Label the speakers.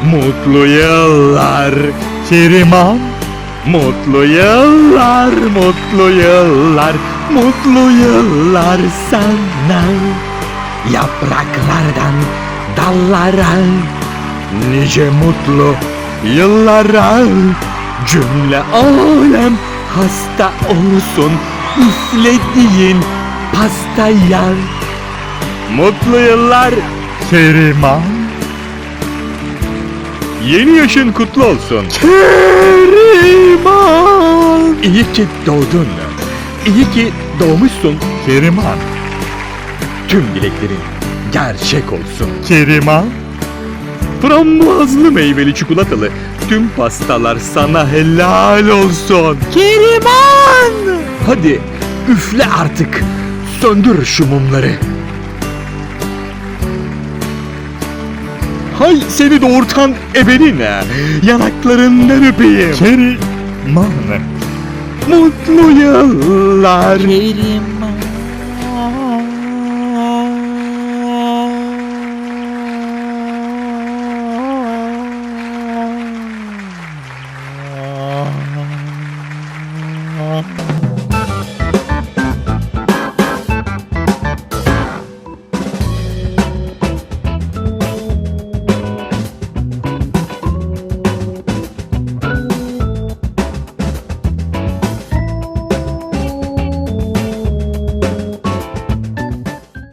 Speaker 1: Mutlu yıllar Keriman. Mutlu yıllar, mutlu yıllar, mutlu yıllar sana. Yapraklardan dallara, nice mutlu yıllara. Cümle alem hasta olsun üflediğin pastaya. Mutlu yıllar Keriman. Yeni yaşın kutlu olsun Keriman. İyi ki doğdun. İyi ki doğmuşsun Keriman. Tüm dileklerin gerçek olsun Keriman. Frambuazlı meyveli çikolatalı tüm pastalar sana helal olsun Keriman. Hadi üfle artık. Söndür şu mumları. Hay seni doğurtan ebeline, yanaklarından öpeyim Keriman. Mutlu yıllar
Speaker 2: Keriman.